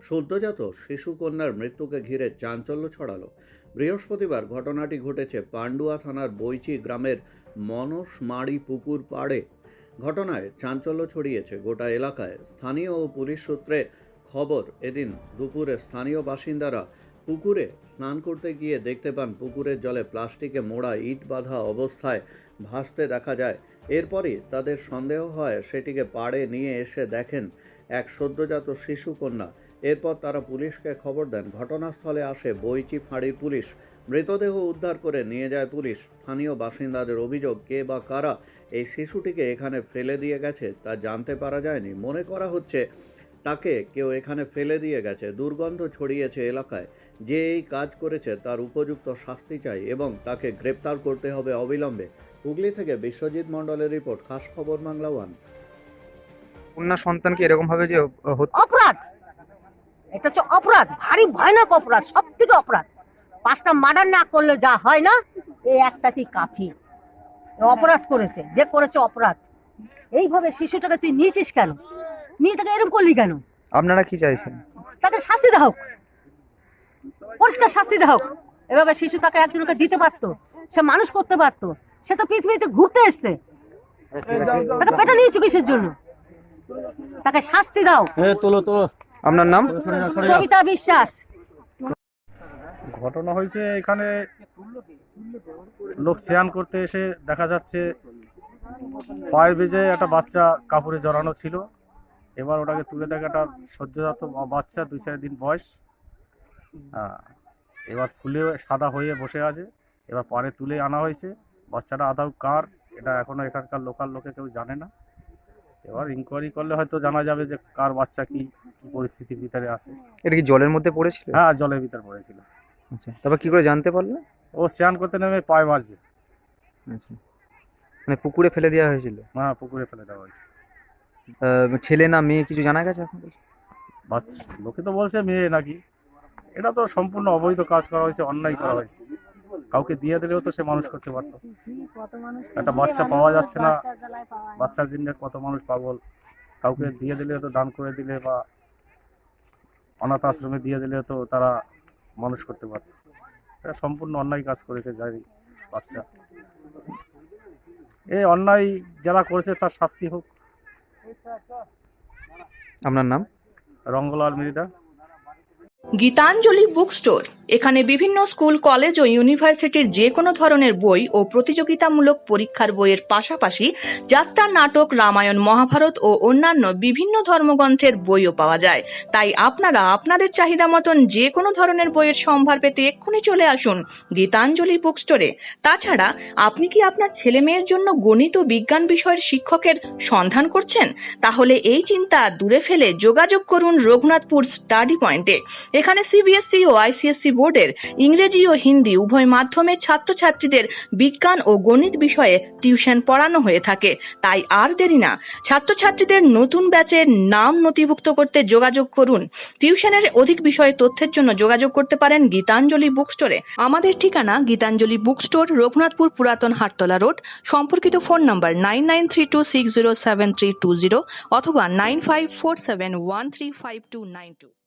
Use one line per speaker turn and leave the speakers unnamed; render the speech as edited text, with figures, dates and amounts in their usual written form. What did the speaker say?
সদ্যজাত শিশুকন্যার মৃত্যুকে ঘিরে চাঞ্চল্য ছড়ালো। বৃহস্পতিবার ঘটনাটি ঘটেছে পান্ডুয়া থানার বৈচি গ্রামের মনসমাড়ি পুকুর পাড়ে। ঘটনায় চাঞ্চল্য ছড়িয়েছে গোটা এলাকায়। স্থানীয় ও পুলিশ সূত্রে খবর, এদিন দুপুরে স্থানীয় বাসিন্দারা পুকুরে স্নান করতে গিয়ে দেখতে পান পুকুরের জলে প্লাস্টিকে মোড়া ইট বাঁধা অবস্থায় ভাসতে দেখা যায়। এরপরই তাদের সন্দেহ হয়, সেটিকে পাড়ে নিয়ে এসে দেখেন এক সদ্যজাত শিশুকন্যা। এরপর তারা পুলিশকে খবর দেন। ঘটনাস্থলে আসে বৈচি ফাঁড়ির পুলিশ। মৃতদেহ উদ্ধার করে নিয়ে যায় পুলিশ। স্থানীয় বাসিন্দাদের অভিযোগ, কে বা কারা এই শিশুটিকে এখানে ফেলে দিয়ে গেছে তা জানতে পারা যায়নি। মনে করা হচ্ছে তাকে কেউ এখানে ফেলে দিয়ে গেছে। দুর্গন্ধ ছড়িয়েছে এলাকায়। যে এই কাজ করেছে তার উপযুক্ত শাস্তি চাই এবং তাকে গ্রেপ্তার করতে হবে অবিলম্বে। হুগলি থেকে বিশ্বজিৎ মণ্ডলের রিপোর্ট, খাস খবর বাংলা ওয়ান।
কন্যা সন্তানকে এরকম ভাবে যে
অপরাধ, এটা হচ্ছে অপরাধ, ভারী ভয়ানক অপরাধ, সব থেকে অপরাধ। 5টা মার্ডার না করলে যা হয় না, এই একটাতেই কাফি। অপরাধ করেছে, যে করেছে অপরাধ। এইভাবে শিশুটাকে তুই নিয়েছিস কেন? নিয়ে তাকে এরকম করলি কেন?
আপনারা কি চাইছেন?
তাকে শাস্তি দেওয়া হোক, পরিষ্কার শাস্তি দেওয়া হোক। এভাবে শিশু তাকে একজনকে দিতে পারতো, সে মানুষ করতে পারতো। সে তো পৃথিবীতে ঘুরতে এসছে, তাকে পেটে নিয়েছো কিসের জন্য? তাকে শাস্তি দাও।
আপনার নাম?
সবিতা বিশ্বাস।
ঘটনা হয়েছে এখানে লোক স্নান করতে এসে দেখা যাচ্ছে পায়ের বেজে একটা বাচ্চা কাপড়ে জড়ানো ছিল। এবার ওটাকে তুলে দেখে একটা সদ্যজাত বাচ্চা, 2-4 দিন বয়স। এবার ফুলে সাদা হয়ে বসে আছে। এবার পরে তুলে আনা হয়েছে। বাচ্চাটা আদৌ কার, এটা এখনো এখানকার লোকাল লোকে কেউ জানে না। এবার ইনকোয়ারি করলে হয়তো জানা যাবে যে কার বাচ্চা কি পরিস্থিতির ভিতরে আছে।
এটা কি জলের মধ্যে পড়েছিল?
হ্যাঁ, জলের ভিতরে পড়েছিল।
আচ্ছা, তারপর কি করে জানতে পারলেন?
ও স্নান করতে নেমে পায়ে মারছে।
আচ্ছা, মানে পুকুরে ফেলে দেওয়া হয়েছিল?
হ্যাঁ, পুকুরে ফেলে দেওয়া হয়েছে।
ছেলে না মেয়ে কিছু জানা গেছে এখন?
লোকে তো বলছে মেয়ে নাকি। এটা তো সম্পূর্ণ অবৈধ কাজ করা হয়েছে, অন্যায় করা হয়েছে। কাউকে দিয়ে দিলেও তো সে মানুষ করতে পারতো। একটা বাচ্চা পাওয়া যাচ্ছে না, বাচ্চার জন্য কত মানুষ পাগল। কাউকে দিয়ে দিলে তো, দান করে দিলে বা অনাথ আশ্রমে দিয়ে দিলে তো তারা মানুষ করতে পারত। এটা সম্পূর্ণ অন্যায় কাজ করেছে যাই বাচ্চা। এই অন্যায় যারা করেছে তার শাস্তি হোক।
আপনার নাম?
রঙ্গলাল মৃধা।
Gitanjali book store. এখানে বিভিন্ন স্কুল, কলেজ ও ইউনিভার্সিটির যে কোনো ধরনের বই ও প্রতিযোগিতামূলক পরীক্ষার বইয়ের পাশাপাশি যাত্রা, নাটক, রামায়ণ, মহাভারত ও অন্যান্য বিভিন্ন ধর্মগ্রন্থের বইও পাওয়া যায়। তাই আপনারা আপনাদের চাহিদা মতন যে কোনো ধরনের বইয়ের সম্ভার পেতে এক্ষুনি চলে আসুন গীতাঞ্জলি বুক স্টোরে। তাছাড়া আপনি কি আপনার ছেলে মেয়ের জন্য গণিত ও বিজ্ঞান বিষয়ের শিক্ষকের সন্ধান করছেন? তাহলে এই চিন্তা দূরে ফেলে যোগাযোগ করুন রঘুনাথপুর স্টাডি পয়েন্টে। এখানে সিবিএসই ও আইসিএসসি বোর্ডের ইংরেজি ও হিন্দি উভয় মাধ্যমে ছাত্রছাত্রীদের বিজ্ঞান ও গণিত বিষয়ে টিউশন পড়ানো হয়ে থাকে। তাই আর দেরি না, ছাত্রছাত্রীদের নতুন ব্যাচের নাম নথিভুক্ত করতে যোগাযোগ করুন। টিউশনের অধিক বিষয়ে তথ্যের জন্য যোগাযোগ করতে পারেন গীতাঞ্জলি বুক স্টোরে। আমাদের ঠিকানা গীতাঞ্জলি বুক স্টোর, রঘুনাথপুর পুরাতন হাটতলা রোড। সম্পর্কিত ফোন নাম্বার 9932607320 অথবা 9547135292।